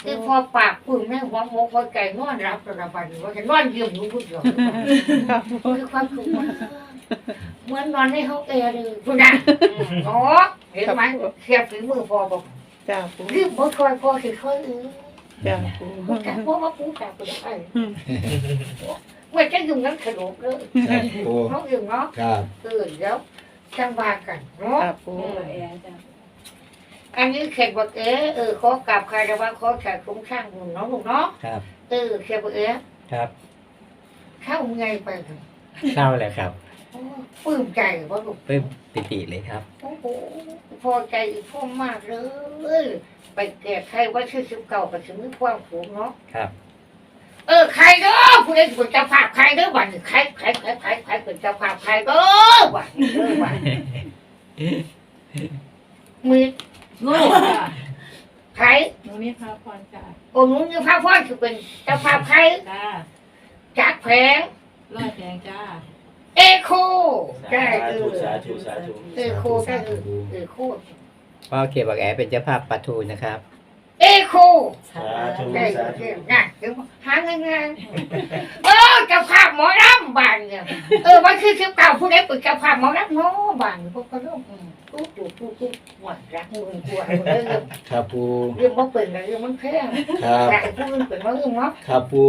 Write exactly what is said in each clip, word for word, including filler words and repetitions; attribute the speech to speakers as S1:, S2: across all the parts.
S1: คือพอปากปุ่มแม่หัวโมกหัวใจนอนรับระบายว่าจะนอนเยี่ยมอยู่ผู้เดียวคือความสุขมากเหมือนนอนในห้องแอร์เลยคุณนะอ๋อเห็นไหมเสียบฝีมือพอบอก
S2: จ้าปู
S1: รีบบ่คอยพอสิคอยเออ
S2: จ้าปู
S1: ผู้จักว่าว่าผู้จักเป็นไงเมื่อจะยุ่งนั้นขนมเลย
S3: ครับปู
S1: น้องยุ่งเนาะ
S3: ครับ
S1: เออเดี๋ยวจังว่ากันเนาะ
S2: จ้าปู
S1: อันนี้เขียนบอกเอ๋เออขอกลับใครแต่ว่าขอแขกคุ้มข้างหุ่นเนาะลูกเนาะ
S4: ครับ
S1: เออเขียนบอกเอ๋
S4: ครับ
S1: เข้าไงไปเลย
S4: เข้าแล้วครับ
S1: โอ้ปลื้มใจว่าลูก
S4: ปลื้มปิติเลยครับ
S1: โอ้โหพอใจอีกพ่อมากเลย ไปแก่ใครว่าชื่อสิบเก่ากับชื่อมือความผูกเนาะ
S4: ครับ
S1: เออใครเด้อผู้ใดเป็นเจ้าภาพใครเด้อวันนี้ใครใครใครใครใครเป็นเจ้าภาพใครเด้อวันนี้เด้อวันมี
S5: ลูกจ้ะ
S1: ใคร
S5: หนูนี่พาพรจ้ะ
S1: โอ้หนุ่นยี่ภาพพ่อคือเป็นเจ้าภาพใคร
S5: จ้า
S1: จากแผง
S5: ร้อยแพงจ้า
S1: เอโคได้เออ
S6: สาธุสาธุ
S1: เอโคได้เออเอโค
S4: พ่อเขียนบอกแอเป็นเจ้าภาพปลาทูนะครับ
S1: เอโค
S6: สาธุ
S1: ได้
S6: สา
S1: เอ
S6: ธุ
S1: อน่ะเดี๋ยวหาง่ายๆเออเจ้าภาพหมอลำบานเนี่ยเออวันคือสิบเก้าผู้ใดเป็นเจ้าภาพหมอลำเนาะบานพวกก็เริ่มตุ๊ตุ๊ตุ๊ตุ๊หวานรักมึงกลัวเรื่อง
S3: ครับปู
S1: เรื่องมันเป็นเรื่องมันแพง
S3: ครับ
S1: แต่ผู้อื่นเป็นว่าเรื่องเนาะ
S3: ครับปู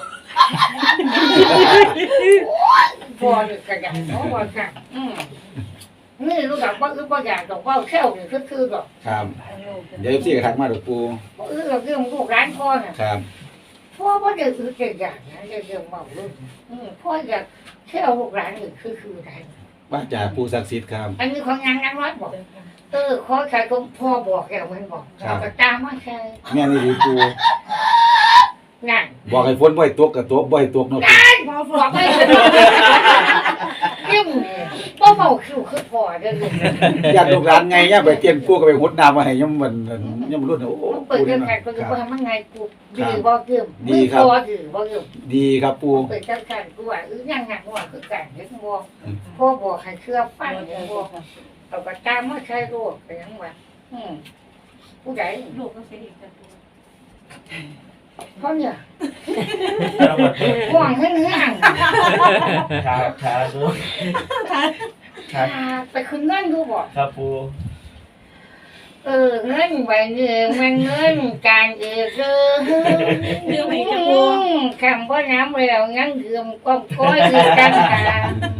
S1: พอเลยกระดังเนาะว่าค่ะอืมนี่รู้จักว่าคือว่าอยากดอกว่าแค่วนี่คือคือดอก
S3: ครับเดี๋ยวพี่กระทักมาเดี๋ยวปู
S1: ว่าเออเราเรื่องลูกร้านพ่อน่ะ
S3: ครับ
S1: พ่อว่าเดี๋ยวคือเก่งอย่างนะเดี๋ยวเรื่องเมาลูกอืมพ่ออยากแค่เอาลูกร้านนี่คือคืออะไร
S3: ว่าจากปูศักดิ์สิทธิ์ครับ
S1: อันนี้ของงานงานวัดบอกเออขอใครก็พ่อบอกแกมันบอกก็ตามมาใช่
S3: แม่นี่ดีปู
S1: งาน
S3: บอกให้ฝนบ่อยตกกับตกบ่อยตกเนาะปู
S1: บอกไม่ถูกยิ่งพ่อเมาคิวคือพ่อเด้อ
S3: ญาติลูกหลานไงเนี่ยไปเตียนปูก็ไปหดน้ำมาให้ย่ำวันย่ำรุ่นโอ้โห
S1: เปิด
S3: ปู
S1: เรื่
S3: นี่
S1: อง
S3: นะ
S1: แขกก็
S3: ค
S1: คือ
S3: รับ
S1: ว่ามันไงกูดีบ่เกี่ยมดีบ่ดีบ่เกี่ยม
S3: ดีครับปู
S1: เปิดจังกันกูว่าเออยังงานว่าคือการเฮ็ดบ่พ่อบอกให้เชื่อฟังบ่เอาก็ตามมาใช้โลกไปยังว่าอืมผู้ใด
S5: ลูกก็เสียอีกจ้ะปู
S1: เพราะเนี่ย
S6: ครับ
S1: ห่วงให้เนื้ออ่าง
S6: ครับครับปูครับ
S1: ไปคืนเงินดูบ่
S6: ครับปู
S1: เออเงินใบเงินมันเงินการเออเออ
S5: เรื่องไหนจ้ะปู
S1: คำว่าน้ำแล้วงั้นเกือมก้มก้อยคือกันหา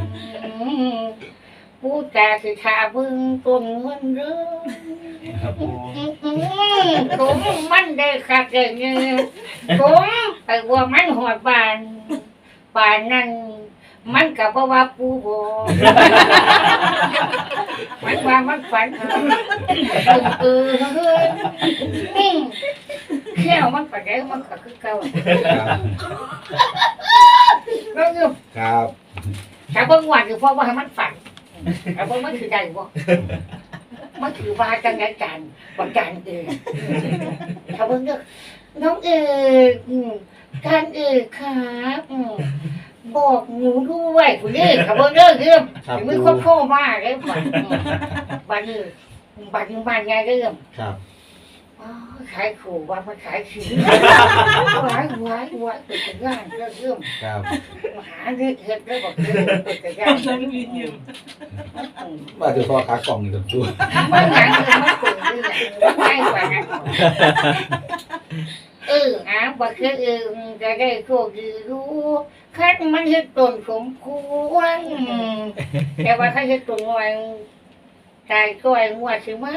S1: ผู้ตาคือชาบึงต้นเงินเด้อ
S6: ครับปู
S1: ผมมันได้คักเลยเนี่ยผมไอ้ว่ามันหอดบานบานนั่นมันกับว่าปูบมันว่ามันฝันเออเฮ้ยแค่มันฝันได้มันก็คือเก่า
S3: ครับ
S1: แล้วเนี่ย
S3: ครับ
S1: ถ้าเบิ่งวันคือเพราะว่าให้มันฝันแต่เบิ่งมันคือใดบ่มันคือว่าจังไงกันว่าการเองถ้าเบิ่งเด้อน้องเอกอืมการเอกครับอืมบอกหนูด้วยคุณนี่ถ้าเบิ่งเด้อเรื่อง
S3: ครับ
S1: ถึงมือ
S3: ปู
S1: โคตรมากเลยบัดอืมบัดนี้บัดนี้บ้านไงเรื่อง
S3: ครับ
S1: อ๋อขายขู่ว่ามันขายขิงหวายหวายหวายเป็นจังงานเรื่องเรื่อง
S3: ครับ
S1: หาเรื่องเฮ็ดแล้วบอกเรื่องเป็นจังงาน
S5: นั่งวินอยู่
S3: ว่าจะพอขากล่องนี่กับปู
S1: มันหนังคือมันปุ่นคืออย่างไม่กว่านั้นเอออ่ะบอกคือเออจะได้โชคดีรู้คันมันเฮ็ดตนสมควรแต่ว่าถ้าเฮ็ดตนงวยใจก้อยงวดสิมา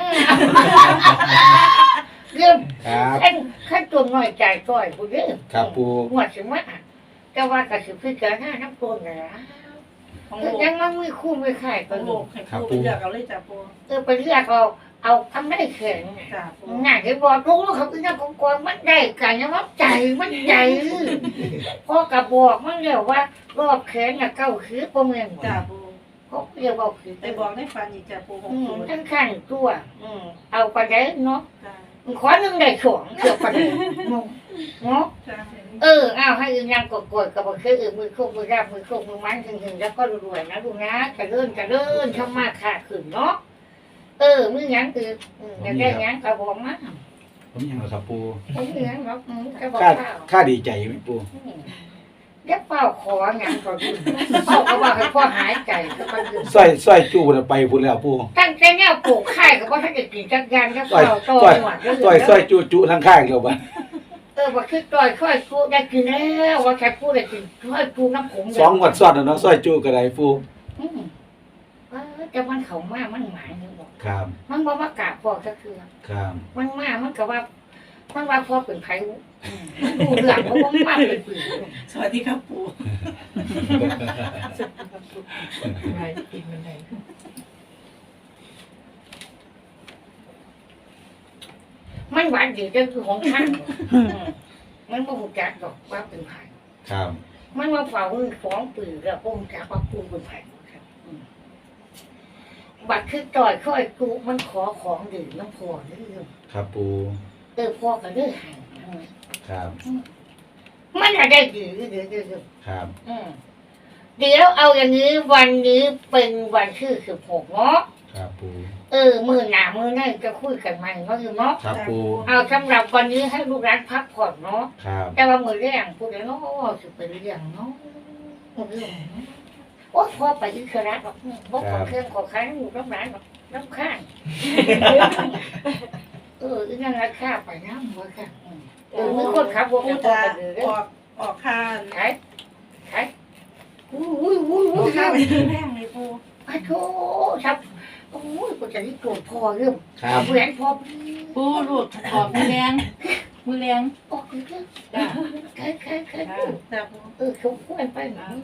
S1: เรื่อง
S3: ครับ
S1: ขั้นขั้นตัวน้อยใจก้อยผู้เด้อ
S3: ครับปู
S1: งวดสิมาแต่ว่าก็สิพิจารณาน้ำตัวนี่ล่ะ
S5: ของลูก
S1: ยังมันมีคู่มีข่าย
S5: ข
S1: กั
S5: อน ง
S1: อ
S5: ลู
S1: ยู่
S5: กให้ปูไปเลือกเอาเลยจ้ะปู
S1: เออไปเรียกเอาเอาทำได้แข็ง
S5: จ้ะปู
S1: น่าจะบอกรู้เขาคือนักกองมันได้กันยังว่าใจมันใจพ่อกระบอกมันเรียกว่ารอบแขนน่ะเก้าคือประเมิน
S5: จ้ะปู
S1: เขาเรียกว่าคือ
S5: ไปบอกในฝันอีกจ้ะปูของ
S1: อืม
S5: ปู
S1: ทั้งขั้นตัวอืมเอาไปได้เนาะ
S5: จ้ะ
S1: ขอหนึ่งได้สองเกือบไปได้เนาะ
S5: จ้ะ
S1: เออเอาให้อึงยังกดกดกับบอกคือเออมือโคกมือราบมือโคกมือมันถึงถึงแล้วก็รวยนะลูกนะจะเลื่อนจะเลื่อนทำมาขาดขึ้นเนาะเออมือยังคืออืมอยากได้ยังกระบอกมา
S3: ผมยังเหรอครับปู
S1: ผมเหลืองหรอกอืมจะบอก
S3: ค่า
S1: ข้าว
S3: ค่าดีใจไหมปู
S1: อืมเดี๋ยวเป่าของานก่อนเป่าก็ว่าให้พ่อหายใจก็ไปดื่ม
S3: สร้อยสร้อยจูน่ะไปพุ่นแล้วปู
S1: ตั้งแต่เนี่ยปลูกไข่ก็บ่ทันได้กินจักอย่างแล้ว
S3: สร้อย
S1: เป่าโต
S3: สร้อย
S1: หมดเลย
S3: สร้อยสร้อยจูจูทั้งข้างแล้วบัด
S1: เออว่าคือต่อยค่อยกูได้กินแล้วว่าแค่พูดได้กินค่อยกูน้ำผง
S3: สองงวดซ้อนแล้วเนาะสร้อยจูก็ได้ปู
S1: อืมเออแต่มันเขามามันหมายนึงบอก
S3: ครับ
S1: มันบ่มากราบพ่อก็คือ
S3: ครับ
S1: มันมามันก็ว่า มันว่าพ่อเป็นไผอืมดูเรื่องเพราะว่ามันมาเป็นปืน
S5: สวัสดีครับปู
S1: มันหวานดีก็คือของข้างอืมมันบ่ฮู้จักดอกว่าเป็นไผ
S3: ครับ
S1: มันมาเฝ้ามือฟ้องปืนแล้วบ่ฮู้จักว่ากูเป็นไผครับอืมบัดคือต่อยค่อยกูมันขอของดื่มน้ำพ่อเด้อ
S3: ครับปู
S1: เออพ่อก็เลยให้นั่นแหละ
S3: ครับ
S1: มันอะได้ดีเดี๋ยวเดี๋ยวเดี๋ยว
S3: ครับ
S1: อืมเดี๋ยวเอาอย่างนี้วันนี้เป็นวันที่สิบหกเนาะ
S3: ครับปู
S1: เออมือหนามือนั่นจะคุยกันใหม่เนาะอยู่เนาะ
S3: ครับปู
S1: เอาสำหรับวันนี้ให้ลูกร้านพักผ่อนเนาะ
S3: ครับ
S1: แต่ว่ามือแรงพูดแล้วเนาะจะเป็นเรื่องเนาะมือเรื่องเนาะโอ้พอไปอิสระหรอกบอกขอเครื่องขอค้างอยู่น้ำร้านหรอกน้ำข้างเอออีนั่นราคาไปน้ำหัวค่ะอืมเออมือคนขับวง
S5: ปู
S1: จะพอ
S5: จะ
S1: ไปเลยเด้
S5: อ
S1: อ
S5: อกออกคาน
S1: ขายขายอุ้ยอุ้ยอุ้ย
S5: อ
S1: อุ้
S5: อย กคาน
S1: ครับ
S5: ไปแพงเลยปู
S1: พระโทครับโอ้ยกูจะนี่โกรธพอเรื่อง
S3: ครับ
S1: แหวนพอ
S2: ปูลูกขอบมือแรงมือแรง
S1: ออกเรื่องขายขายขาย
S5: จ้าปู
S1: เออเขาควรไปหนัง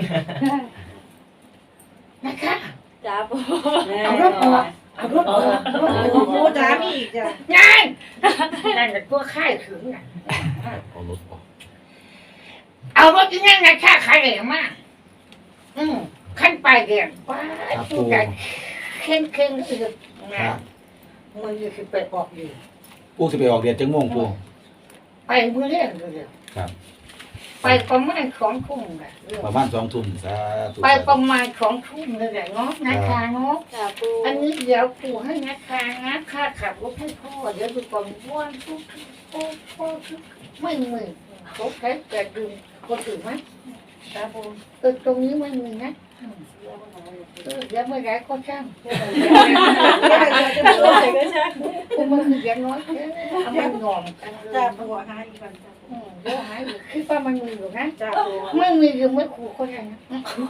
S1: นะคะ
S2: จ้าปู
S1: เอารถออกเอารถออกเอารถออก
S5: ปูจ้ามีอีกจ้ะ
S1: งานนั่นเป็นตัวค่ายถึงน่ะ
S3: เอารถออก
S1: เอารถที่นั่นนะค่าขายเลยมากอืมขั้นไปเรียนป้าผู้ใหญ่เข่งเข่งคือ
S3: ค
S1: นะ
S3: รับ
S1: มือคือไปออกอยู่
S3: ปูสิไปออกเดือนจังม่วงปู
S1: ไปมือเล่นเลย
S3: ครับ
S1: ไปประมาณสองทุ่มแหละเรื่อง
S3: ประมาณสองทุ่มสาธุ
S1: ไปประมาณสองทุ่มเลยแหละเนาะนะคะเนาะ
S2: จ้าปู
S1: อันนี้เดี๋ยวปู่ให้นะคะนะค่าขับรถให้พ่อเดี๋ยวดูก่อนว่าทุกโอ้พ่อทุกไม่มีเขาใช้แต่ดึงคนอื่นไหม
S5: จ้าปู
S1: เออตรงนี้ไม่มีนะอืมเออเดี๋ยวเมื่อไหรก็ช่าง
S5: เดี๋ยวจะปูใส่ก็ใช่
S1: กูมันคืออย่างน้อยแค่เอามันงอมกันเล
S5: จ้าย ปูหาอีกวันจ้าปู
S1: อืมเดี๋ยวหายอยู่คิดว่ามันมีอยู่นะ
S5: จ้าปู
S1: ไม่มีหรือไม่ขู่เขาได้นะ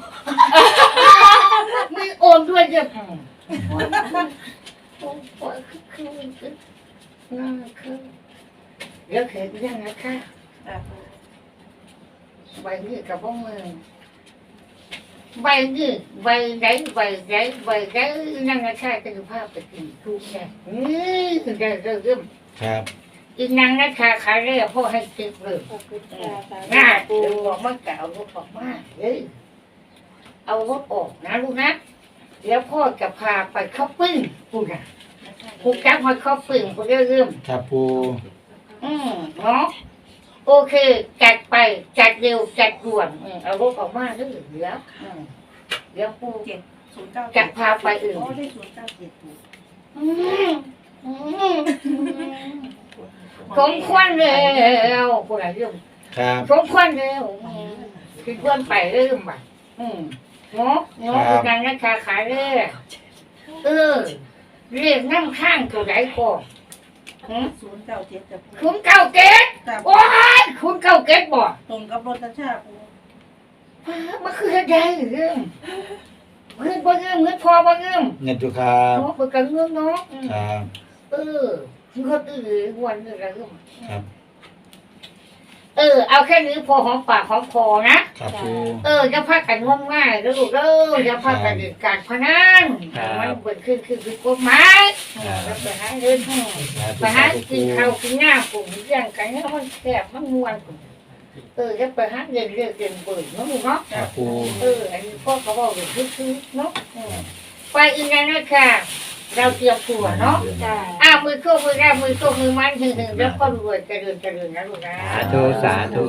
S1: ไม่โอนด้วยจะอืมโอ้โหคือคือคือน่าคือเดี๋ยวเห็นยังไงคะ
S5: จ้าปู
S1: ใบนี้กับพวกมึงใบนี้ใบไหนใบไหนใบไหนนั่งกระชากจะดูภาพไปกินทุกแน่นี่ถึงจะเริ่ม
S3: ครับ
S1: อีนางนัชชาขายได้พ่อให้ติดเลย
S2: ขอบคุณจ้าสา
S1: น่า
S2: ธุ
S1: เดี๋ยวบอกมันเก่ารถออกมาเฮ้ยเอารถออกนะลูกนะเดี๋ยวพ่อจะพาไปเข้าปึ้งกูนะกูจับมาเข้าปึ้งกูเริ่ม
S3: ครับปู
S1: อืมเนาะโอเคจัดไปจัดเร็วจัดด่วนอืมเอารถออกมาเรื่อยเดี๋ยวอืมเดี๋ยวปู
S5: เจ็ดศูนย์เก้า
S1: จะพาไปอื่น
S5: โอ้ได้ศูนย์เก้าเจ็ดปู
S1: อืมอืมสมควรแล้วผู้ใดเรื่อง
S3: ครับ
S1: สมควรแล้วอืมคือควรไปเริ่มบ่ะอืมเนาะเนาะคือนางนัชชาขายเลยเออเรียกนั่งข้างตัวไหนก่อนหืม
S5: ศูนย์เก้าเจ็ดจ้าปู
S1: คุณเก้าเกต
S5: จ้าปู
S1: โอ้ยคุณเก้าเกตบ่
S5: ตรงกับรถตาชาปู
S1: มันคืออะไรเรื่องเรื่องบ่เรื่องเงินพอบ่เรื่อง
S3: เงินจุครับ
S1: เนาะเปิดกันเรื่องเนาะอืม
S3: ครับ
S1: เออคือเขาตื่นวันนึงอะไรเรื่อง
S3: ครับ
S1: เออเอาแค่นี้พอหอมปากหอมคอนะครับ
S3: ปู
S1: เอออย่าพากันงมง่ายแล้วลูกเด้ออย่าพากันเล่นการพนันมันเปิดขึ้นคือคือกฎหมายแล้วไปหาเงิน
S3: สาธุ
S1: ไปหา
S3: สาธุ
S1: กินข้าวกินหน้าปุ่มเรื่องกันเนี่ยมันแคบมันมวนเออจะไปหาเงินเรื่องเงินเปิดเนาะลูกเนาะ
S3: ครับปู
S1: เอออันนี้พ่อเขาบอกอยู่คือๆเนาะอืมไปอีกแล้วนะคะเราเตรียมตัวเนาะ
S2: จ้า
S1: อ้าวมือโชคมือแรกมือโชคมือมันหึงหึงแล้วก็รวยเจริญเจริญนะลูกนะ
S4: สาธุสาธุ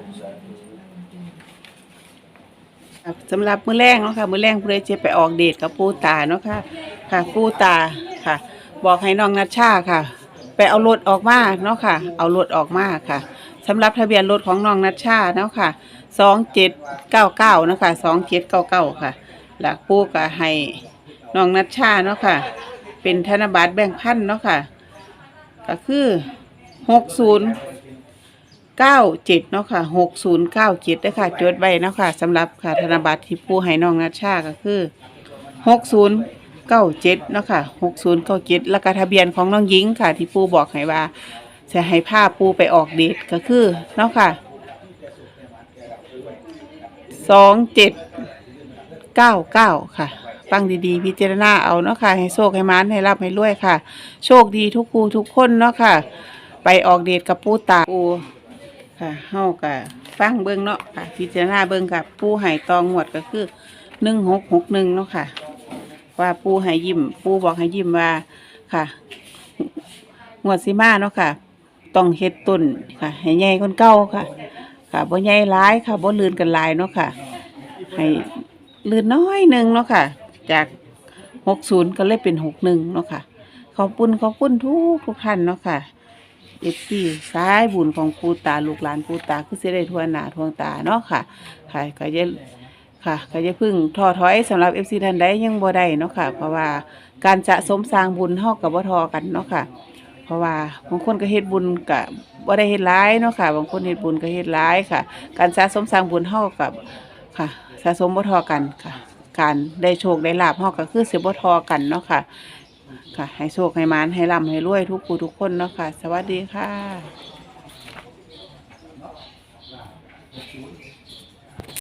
S7: ครับสำหรับมื้อแรกเนาะค่ะมื้อแรกผู้ใดจะไปออกเดทกับปู่ตาเนาะค่ะค่ะปู่ตาค่ะ บอกให้น้องนัชชาค่ะไปเอารถออกมาเนาะค่ะเอารถออกมาค่ะสำหรับทะเบียนรถของน้องนัชชาเนาะค่ะสองเจ็ดเก้าเก้าเนาะค่ะสองเจ็ดเก้าเก้าค่ะหลักปูก็ให้น้องนัชชาเนาะค่ะเป็นธนบัตรแบ่งพันเนาะค่ะก็คือหกศูนย์เก้าเจ็ดเนาะค่ะหกศูนย์เก้าเจ็ดด้วยค่ะจดไว้เนาะค่ะสำหรับค่ะธนบัตรที่ปูให้น้องนัชชาก็คือหกศูนย์เก้าเจ็ดเนาะค่ะหกศูนย์เก้าเจ็ดแล้วก็ทะเบียนของน้องหญิงค่ะที่ปูบอกให้ว่าจะให้พาปูไปออกเดทก็คือเนาะค่ะสองเจ็ดเก้าเก้าค่ะฟังดีๆพิจารณาเอาเนาะค่ะให้โชคให้มานให้รับให้รวยค่ะโชคดีทุกปูทุกคนเนาะค่ะไปออกเดทกับปูตาปูค่ะเฮาก็ฟังเบิ่งเนาะค่ะพิจารณาเบิ่งค่ะปูให้ตองหวดก็คือหนึ่งหกหกหนึ่งเนาะค่ะว่าปูให้ยิ้มปูบอกให้ยิ้มว่าค่ะงวดสิมาเนาะค่ะต้องเฮ็ดต้นค่ะให้ใหญ่คนเก่าค่ะค่ะบ่ใหญ่หลายค่ะบ่ลื่นกันหลายเนาะค่ะให้ลื่นน้อยหนึงเนาะค่ะจากหกศูนย์ก็เลยเป็นหกหนึ่งเนาะค่ะขอบคุณขอบคุณทุกทุกท่านเนาะค่ะเอฟซีสายบุญของปูตาลูกหลานปูตาคือสิได้ทั่วหน้าทั่วตาเนาะค่ะค่ะก็จะค่ะก็จะพึ่งท้อถอยสำหรับ เอฟ ซี ท่านใดยังบ่ได้เนาะค่ะเพราะว่าการสะสมสร้างบุญเฮาก็บ่ทอกันเนาะค่ะเพราะว่าบางคนก็เฮ็ดบุญก็บ่ได้เฮ็ดหลายเนาะค่ะบางคนเฮ็ดบุญก็เฮ็ดหลายค่ะการสะสมสร้างบุญเฮากับค่ะสะสมบ่ทอกันค่ะการได้โชคได้ลาภเฮาก็คือสิบ่ทอกันเนาะค่ะค่ะให้โชคให้มานให้ร่ำให้รวยทุกผู้ทุกคนเนาะค่ะสวัสดีค่ะ